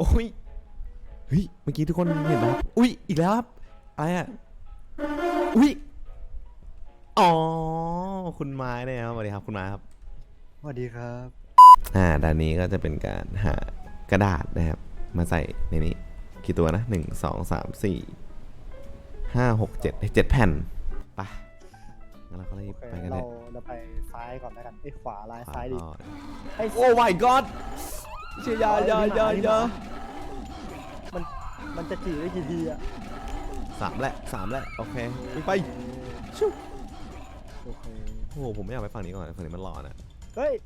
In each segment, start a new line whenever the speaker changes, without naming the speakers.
ยเฮ้ยเมื่อกี้ทุกคนเห็นไหมครับอุ้ยอีกแล้วครับอะไรอ่ะอุ้ยอ๋อคุณไม้เนี่ยครับสวัสดีครับคุณไม้ครับ
สวัสดีครับ
ด้านนี้ก็จะเป็นการหากระดาษนะครับมาใส่ในนี้กี่ตัวนะ1 2 3 4 5 6 7 7 แผ่นไปงั้นเราก็รีบไปกันเลย
เราไปซ้ายก่อนแล้วกันขวาลายซ้ายดี
โอ้ my god เชียยา
มันจะจีได้กี่ทีอะ
3 แล้วโอเคไปชุบ
โอเค
โอ้โหผมไม่อยากไปฝั่งนี้ก่อนฝั่งนี้มันร้อนอ่ะ
เฮ้ย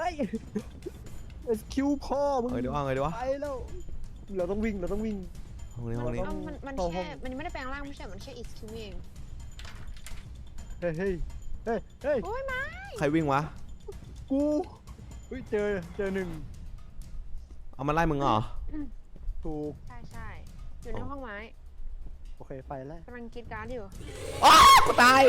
คิวพ่อมึง
เดี๋ยว
ไปแล้วเราต้องวิ่ง
ห้องนี้
มันแค่มันไม่ได้แปลงร่างไม่ใช่มันแค่อิสคิวเอง
เฮ้ย
โอ้ยไม่
ใครวิ่งวะ
กูเจอหนึ่ง
เอามาไล่มึงเหรอ
ถูก
ใช่อยู่ในห้องไม้
โอเคไปแล้ว
กำลังกินการ์ดอยู่
อ้ากูตาย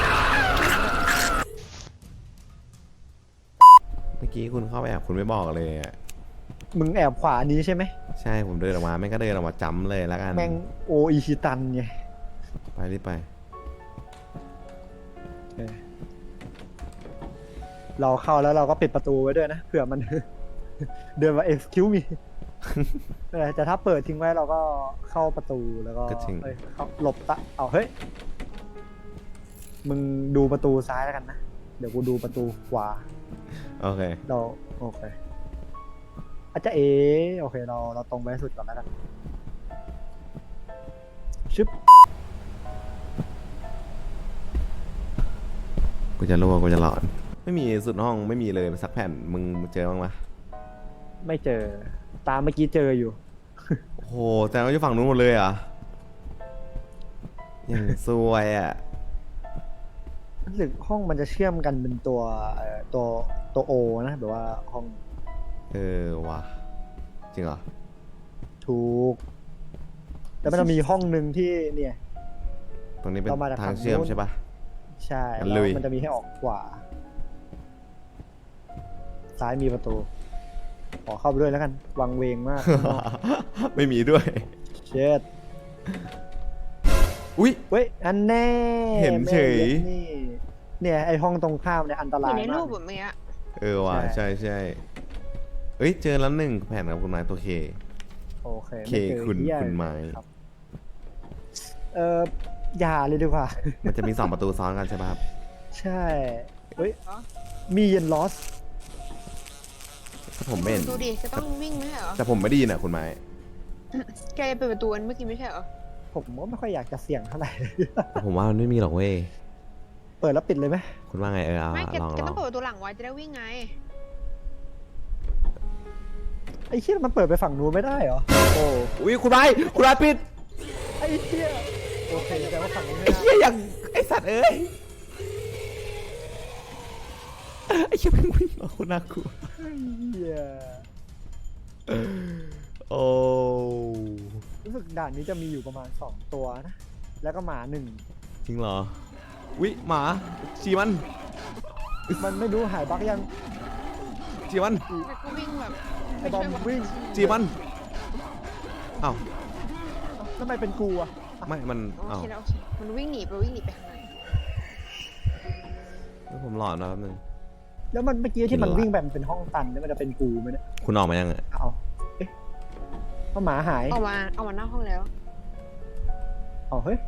เมื่อกี้คุณเข้าไปแอบคุณไม่บอกเลยอ่ะ
มึงแอบขวานี้ใช่ไหม
ใช่ผมเดินออกมาแม่งก็เดินออกมาจำเลยแล้วกัน
แม่งโออิชิตันไง
ไปรีบไป
เราเข้าแล้วเราก็ปิดประตูไว้ด้วยนะเผื่อมัน เดินมา excuse me แต่ถ้าเปิดทิ้งไว้เราก็เข้าประตูแล้วก็เข้าหลบเอาเฮ้ยมึงดูประตูซ้ายแล้วกันนะเดี๋ยวกูดูประตูขวา
โอเค
โอเคอาจจะโอเคเราตรงไปสุดก่อนแล้วกันชึบ
กูจะรั่วกูจะหลอนไม่มีสุดห้องไม่มีเลยสักแผ่นมึงเจอบ้างไหม
ไม่เจอตามเมื่อกี้เจออยู่
โอ้โหแต่เราอยู่ฝั่งนู้นหมดเลยอ่ะยังซวยอ่ะ
รู้สึกห้องมันจะเชื่อมกันเป็นตัวโอนะแบบว่าห้อง
ว่ะจริงเหรอ
ถูกแต่มันจะมีห้องหนึ่งที่เนี่ย
ตรงนี้เป็นทางเชื่อมใช่ปะ
ใช่แล้วมันจะมีให้ออกขวาซ้ายมีประตูขอเข้าไปด้วยแล้วกันวังเวงมาก
ไม่มีด้วย
เช็ด
อุ้ย
เว้ยอันแน่
เห็นเฉย
เนี่ยไอห้องตรงข้ามเนี่ยอันตรายมาก
อยู่ในรูปแบบนี้
ว่ะใช่เอ้ยเจอแล้ว1 แผ่นครับคุณไม้ตัวเค
โอเค
คุณไม้
อย่าเลยดีกว่า
มันจะมี2 ประตูซ้อนกันใช่ไหมครับ
ใช่เฮ้ยมีเย็นลอส
ผมไม่เห็น
ดูดิจะต้องวิ่งไหมเหรอ
แต่ผมไม่ได้ยินอ่ะคุณไม้
แกเปิดประตูเมื่อกี้ไม่ใช่เหรอ
ผมก็ไม่ค่อยอยากจะเสี่ยงเท่าไหร่
ผมว่ามันไม่มีหรอกเว้ย
เปิดแล้วปิดเลยไหม
คุณว่าไง
ไม่แกต้องเปิดประตูหลังไว้จะได้วิ่งไง
ไอ้เชี่ยมันเปิดไปฝั่งนู้นไม่ได้เหรอโอ้
ยคุณไม้ปิด
ไอ้เชี่ยโอเคแต่ว่าฝั่งนี้ไม่
ได้ไอ้เชี่ยอย่างไอ้สัตว์เอ้ยไอ้เชี่ยเพิ่งวิ่งมาคุณน่ากลัวโอ้
รู้สึกด่านนี้จะมีอยู่ประมาณ2 ตัวนะแล้วก็หมา1
จริงเหรอวิหมาจีมัน
ไม่รู้หายบั๊กยัง
จีมัน
ก็วิ่งแบบ
ไอ้บอมวิ่ง
จีมันอ้าว
ทำไมเป็นกูอ่ะ
ไม่มัน
อ้าวมันวิ่งหนีไปข้างใน
แล้วผมหลอนนะแป๊บนึง
แล้วมันเมื่อกี้ที่มันวิ่งแบบเป็นห้องตันนี่มันจะเป็นกูไหมเนี่ย
คุณออกมายัง
เอาเพราะหมาหาย
เอามาหน้าห้องแล้ว
เฮ้ย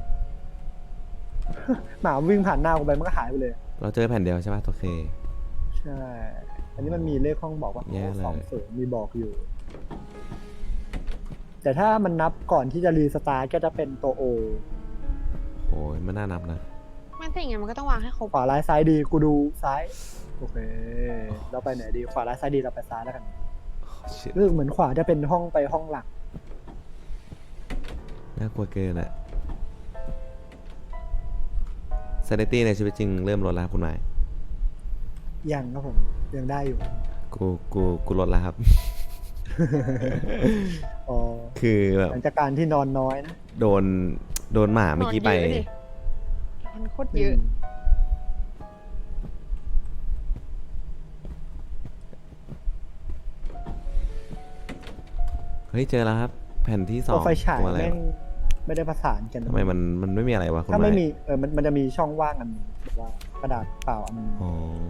หมาวิ่งผ่านหน้ากูไปมันก็หายไปเลย
เราเจอแผ่นเดียวใช่ป่ะโอเค
ใช่อันนี้มันมีเลขห้องบอกว่า20มีบอกอยู่แต่ถ้ามันนับก่อนที่จะรีสตาร์ทก็จะเป็นตัวโอ
โอ้ยมันน่านับนะ
มันแต่อย่างเงี้ยมันก็ต้องวางให้ครบ
ขวาร้ายซ้ายดีกูดูซ้ายโอเคเราไปไหนดีขวาร้ายซ้ายดีเราไปซ้ายแล้วกันรู้สึกเหมือนขวาจะเป็นห้องไปห้องหลัก
น่ากลัวเกินแหละซานิตี้ในชีวิตจริงเริ่มลดแล้วคุณหมาย
ยังครับผมยังได้อยู่
กูลดแล้วครับคือแบบ
หลังจากการที่นอนน้อยนะ
โดนหมาเมื่อกี้ไป
มันโคตรเยอะ
ฮ้ยเจอแล้วครับ แผ่นที่สอ
ตัว
ง
ไฟฉาย
ตัวอะไร
แม่งไม่ได้ประสานกัน
ทำไมมันไม่มีอะไรวะคุณ
ถ้าไม่
ไม้
มีมันจะมีช่องว่างอันหนึงแบบว่ากระดาษเปล่าอันหนึง
อ๋อ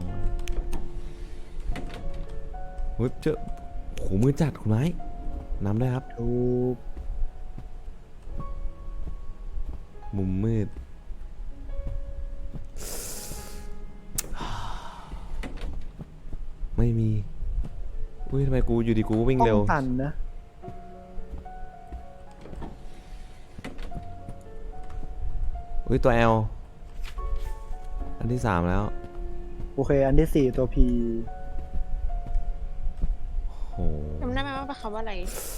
เฮ้ยเจอโหมือจัดคุณไม้นำได้ครับ
ถูก
มุมมืด ไม่มี อุ้ยทำไมกูอยู่ดีกูวิ่ง
ห้อ
เร็ว
งตันนะ
อุ้ยตัว L อันที่ 3 แล้ว
โอเค อันที่ 4 ตัว P
โห
จำได้ไหมว่าเป็นคำว่าอะไร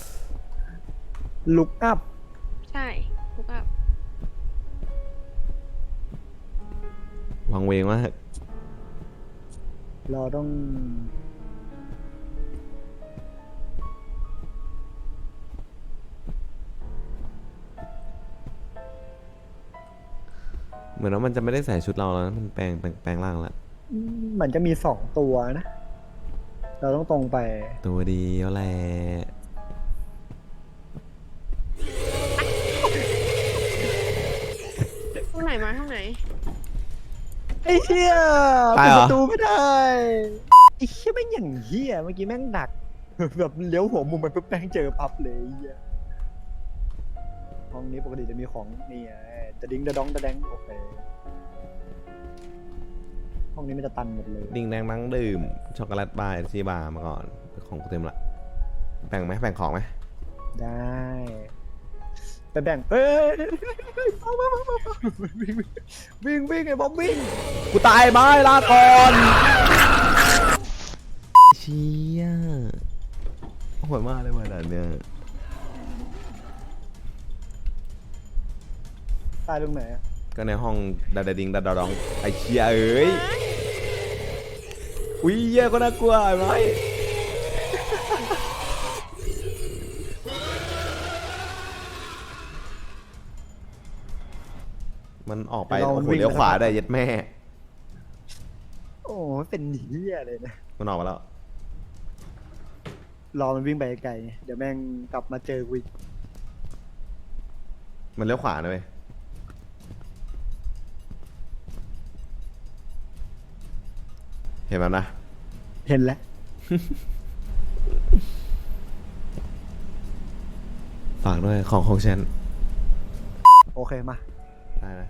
look up
ใช่ถูกป่ะ
วังเวงมาก
เราต้อง
เหมือนว่ามันจะไม่ได้ใส่ชุดเราแล้วนะมันแปลงร่างแล้ว
เหมือนจะมี 2 ตัวนะ เราต้องตรงไป
ตัวเดียวแหละ
ห้องไหนมาห้องไหน
ไอ้เหี้ย
ตา
เปิ
ย
ด
เหร
ป
อ
ระตูไม่ได้ ไอ้เหี้ยแม่งอย่างเหี้ยเมื่อกี้แม่งดัก แบบเลี้ยวหัวมุมไปปุ๊บแม่งเจอปั๊บเลยไอ้เหี้ยห้องนี้ปกติจะมีของนี่ไงจะดิ้งจะดองจะแดงโอเค ห้องนี้มันจะตันหมดเลย
ดิ่งแดงนั่งดื่ม ช็อกโกแลตบาร์ชีบาร์มาก่อน ของกูเต็มละแบ่งไหมแบ่งของไหม
ได้ ไปแบ่งเอ้ยวิ่งไอ้บอมวิ่ง
กูตายไหมลาก่อนเชี่ยโหดมากเลยว่ะด่านเนี่ย
ตายตรงไหนอะ
ก็ในห้องดาดาดิงดาดาดองไอ้เชี่ยเอ้ยอุ้ยเหี้ยก็น่ากลัวไอ้ไหมมันออกไปโอ้โหเลี้ยวขวาได้เย็ดแม่
โอ้เป็นเหี้ยเลยนะ
มันออกมาแล้ว
รอมันวิ่งไปไกลไงเดี๋ยวแม่งกลับมาเจอกูอีก
มันเลี้ยวขวานะเว้ยเห็นมันนะ
เห็นแล้ว
ฝากด้วยของฉัน
โอเคมา
ได้นะ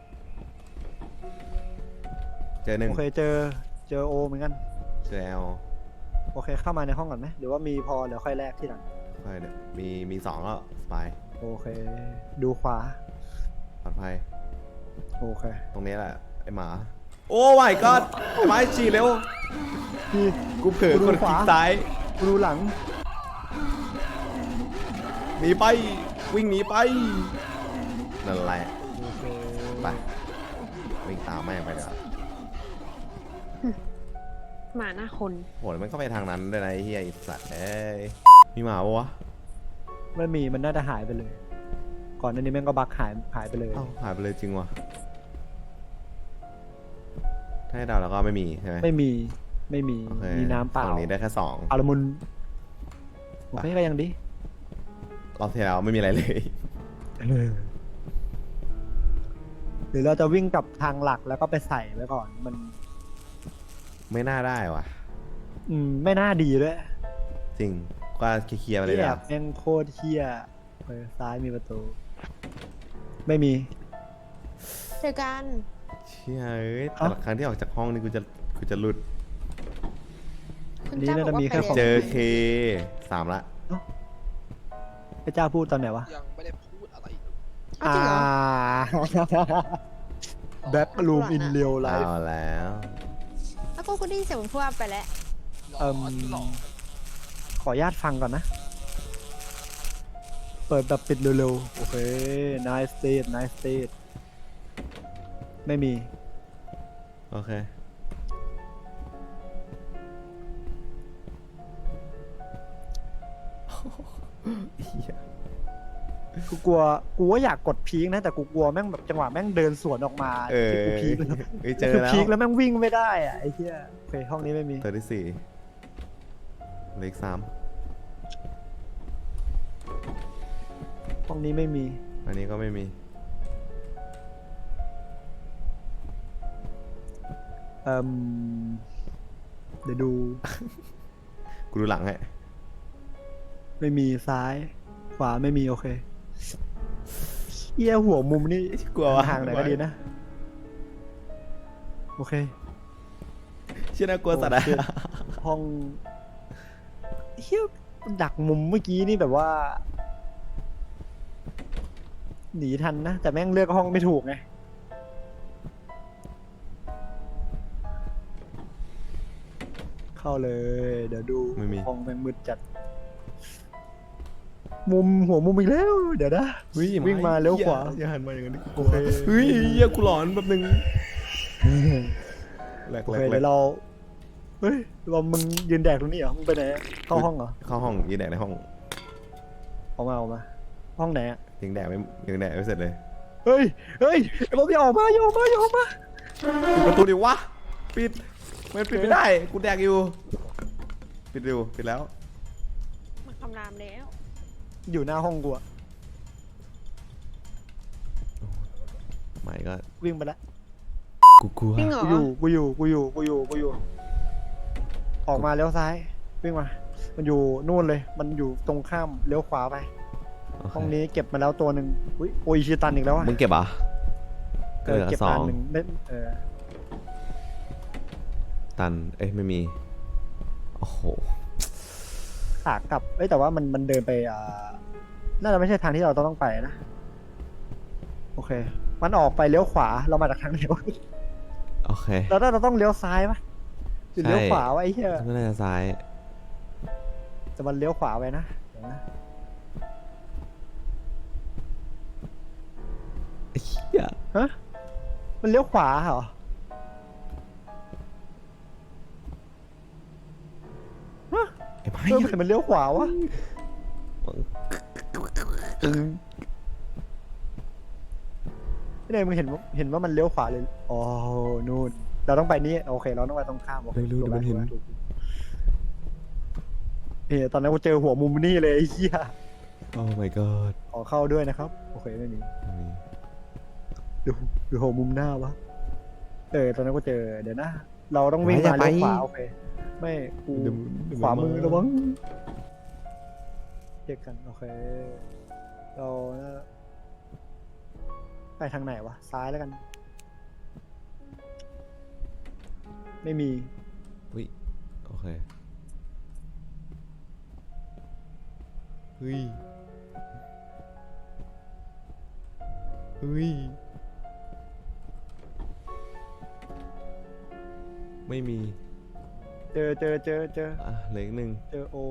เจอหนึ่ง
โอเคเจอโอเหมือนกัน
เจอแอล
โอเคเข้ามาในห้องก่อนไหมหรือว่ามีพอเดี๋ยวค่อยแลกที่หลัง
ค่อยเดี๋ยวมี2แล้วสบาย
โอเค ดูขวา
ปลอดภัย
โอเค
ตรงนี้แหละ ไอหมา โอ้ my god ไอ้ไม้ฉี่เร็ว
พี่
กูเผลอกดคลิกซ้าย
กูดูหลัง
หนีไป วิ่งหนีไป นั่นแหละ
โอเค
ไปวิ่งตามแม่งไปเดี๋ยวา
หมาหน้าคน
โหแล้วมันก็ไปทางนั้นด้วยนะไอ้เฮียไอ้สัตว์เอ้ยมีหมาปะวะ
ไม่มีมันน่าจะหายไปเลย ก่อนหน้านี้แม่งก็บักหายไปเลย
เอ้าหายไปเลยจริงวะถ้าให้เดาแล้วก็ไม่มีใช่ไหม
ไม่มี
โอเค
มีน้ำเปล่า
ฝั่งนี้ได้แค่2
อาละมุนโอเคก็ยังดี
รอบที่แล้วไม่มีอะไรเลย
หรือเราจะวิ่งกลับทางหลักแล้วก็ไปใส่ไว้ก่อนมัน
ไม่น่าได้ว่ะ
ไม่น่าดีด้วย
จริงก็เคลียร์ๆไปเลย
เหี้ย
นะ
แม่งโคตรเฮี้ยซ้ายมีประตู ไม่มี
เจอกัน
เชี่ยเอ้ยแต่ละครั้งที่ออกจากห้องนี่กูจะหลุด
คุณเจ้าบอกว่าไป
เจ
เรีย
อน เค3ละ
พระเจ้าพูดตอนไหนวะ
ยังไม่ได้พูดอะไรเลย
อ้าวจริงเหรอ
แบ็กลูมอินเรียลไล
เอา
ฟ์
แล้ว
แล้วก็ได้ยินเสียงมันพูดว่าไปแล้ว
หลอนหลอน
ขออนุญาตฟังก่อนนะ เปิดแบบปิดเร็วๆ โอเค nice state nice state ไม่มี
โอเค
กูว่าอยากกดพีคนะ แต่กูกลัวแม่งแบบจังหวะแม่งเดินสวนออกมา
เออ
ที่กูพีคแล้ว
เอ้ยเจอ
คือ
แล้ว
พีคแล้วแม่งวิ่งไม่ได้อะไอ้เหี้ยโอเคห้องนี้ไม่มี
ตัวที่4เลข3
องนี้ไม่มี
อันนี้ก็ไม่มี
เดี๋ยวดู
กูดูหลังให้
ไม่มีซ้าย ขวาไม่มีโอเคเอี้ยหัวมุมนี่
กลัววะ
ห่างไหนอยก็ดีนะ โอเค
เชื่อน่ากลัวสัตว์อะ
โอเค ห้องเฮียดักมุมเมื่อกี้นี่แบบว่า หนีทันนะ แต่แม่งเลือกห้องไม่ถูกไง เข้าเลย เดี๋ยวดู
ไม่มี
ห้องแม่งมืดจัด มุมหัวมุมอีกแล้ว เดี๋ยวนะ
เฮ้ย
วิ่งมาเลี้ยวขวา
อย่าหันมาอย่างนั้นดิ
โอเค
เฮ้ยเหี้ยกูหลอนแบบนึงแหลก
โอ
แหล
เค
กแหล
เดี๋
ก
ยวเรา เฮ้ยเรามึงยืนแดกตรงนี้เหรอ มึงไปไหนอะเข้าห้องเหรอ
เข้าห้องยิงแดกในห้อง
ออกมา ห้องไหนอะ
ยิงแดกไม่เสร็จเลย
เฮ้ย เฮ้ยไอ้บอมอย่าออกมาอย่าออกมาอย่าออกมา
ปิดประตูดิวะปิดมันปิดไม่ได้กูแดกอยู่ปิดเร็วปิดแล้ว
มันคำรามแล้ว
อยู่หน้าห้องกูอะ
ไม่ก็
วิ่งไปแล้ว
กูกลัว
จริงเหรอ
กูอยู่ ออกมาเลี้ยวซ้าย วิ่งมา มันอยู่นู่นเลย มันอยู่ตรงข้ามเลี้ยวขวาไป
โอเค
ห้องนี้เก็บมาแล้วตัวหนึ่งอุ้ยโออิชิตันอีกแล้วอะ
มึงเก็บอ่ะ
เออ
เหลือ
เก็บ
สอ
อั
ง
นหนึ่งได้
ตันเอ้ยไม่มีโอ้โห
ขากลับเอ้ยแต่ว่ามันเดินไปน่าจะไม่ใช่ทางที่เราต้องไปนะ โอเค มันออกไปเลี้ยวขวา เรามาจากทางไหนวะ
โอเค
เราต้องเลี้ยวซ้ายปะหรือเลี้ยวขวาวะไอ้เหี้ย
ไม่น่าจะซ้าย
แต่มันเลี้ยวขวาไปนะเดี๋ยวนะ
ไอ้เหี้ย
ฮะ มันเลี้ยวขวาเหรอ
ไอ้ไม้
เออเห็นมันเลี้ยวขวาวะ ไม่ได้มึงเห็นว่ามันเลี้ยวขวาเลย อ๋อ นู่น เราต้องไปนี่ โอเค เราต้องไปตรงข้ามโอเค
เร็วๆเดี๋ยวมันเห็น
ถูกตอนนั้นกูเจอหัวมุมนี่เลยไอ้เหี้ย
โอ้ my god
ขอเข้าด้วยนะครับ โอเคไม่มี
ไม่มี
ดูหัวมุมหน้าวะ ตอนนั้นกูเจอ เดี๋ยวนะ เราต้องวิ่งมาเลี้ยวขวาโอเค ไม่กู
เดี๋ยว
ขวามือระวังเช็คกันโอเค เราน่าไปทางไหนวะ ซ้ายแล้วกัน ไม่มี
อุ้ยโอเคเฮ้ยเฮ้ยไม่มี
เจอ
อ่ะเหลืออีกหนึ่ง
เจอโอ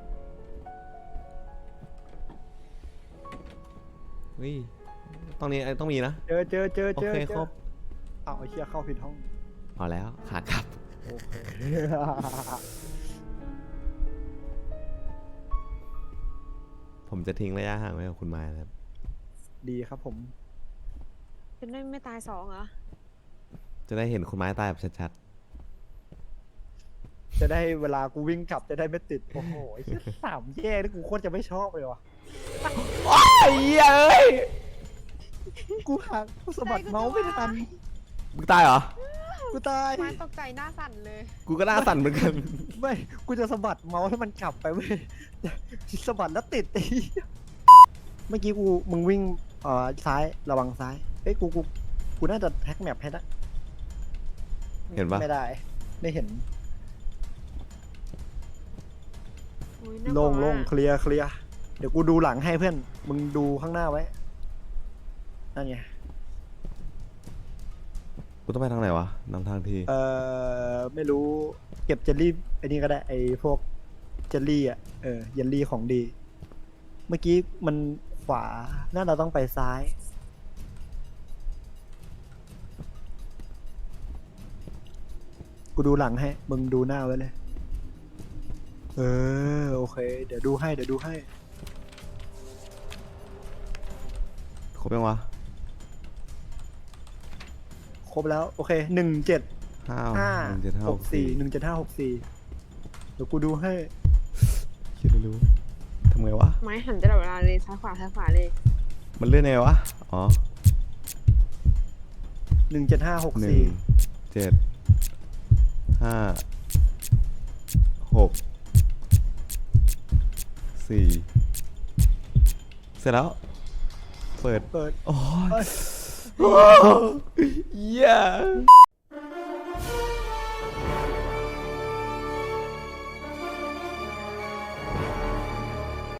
เฮ้ยตรงนี้ต้องมีนะ
เจอ
โอเคครบ
เอาไอ้เชี่ยเข้าผิดห้อง
พอแล้วขากลับ
โอเค
ผมจะทิ้งระยะห่างไว้กับคุณไม้นะครับ
ดีครับผม
จะได้ไม่ตายสองเหรอ
จะได้เห็นคุณไม้ตายแบบชัด
จะได้เวลากูวิ่งกลับจะได้ไม่ติด โอ้โหไอ้เชี่ยสามแย่นี่กูโคตรจะไม่ชอบเลยว่ะ
ๆไอ้เหี้ยเอ้ย
กูหักกูสะบัดเมาส์ไม่ทัน
มึงตายเหรอ
กูตาย
มาตกใจหน้าสั่นเลย
กูก็หน่าสั่นเหมือนกัน
ไม่ กูจะสะบัดเมาส์ให้มันกลับไปเว้ยสะบัดแล้วติดไอ้เหี้ยเมื่อกี้มึงวิ่งซ้ายระวังซ้าย เอ้ยกูน่าจะแท็กแมปให้นะ
เห็นปะ
ไม่ได้ ไม่เห็น
อุ๊ยน่าก
โล่
ว
ง
มาก
เคลียร์เดี๋ยวกูดูหลังให้เพื่อน มึงดูข้างหน้าไว้นั่นไง
กูต้องไปทางไหนวะนำทางที
ไม่รู้เก็บเจลลี่ไอ้นี่ก็ได้ไอ้พวกเจลลี่เยลลี่ของดี เมื่อกี้มันขวาน่าเราต้องไปซ้าย กูดูหลังให้ มึงดูหน้าไว้เลย โอเค เดี๋ยวดูให้
ครบยังวะ
ครบแล้ว โอเค17
ห้า
17564เดี๋ยวกูดูให้
คิดไม่รู้ทำไงวะ
ไม้หันตลอดเวลาเลยซ้ายขวาเลย
มันเลื่อนไงวะ อ๋อ
1756
หนึ่ง
4
7 5 6 4 เสร็จแล้ว เปิด
เปิด
โอ้
เอ้
ย
ย
โอ้ยเหี้ย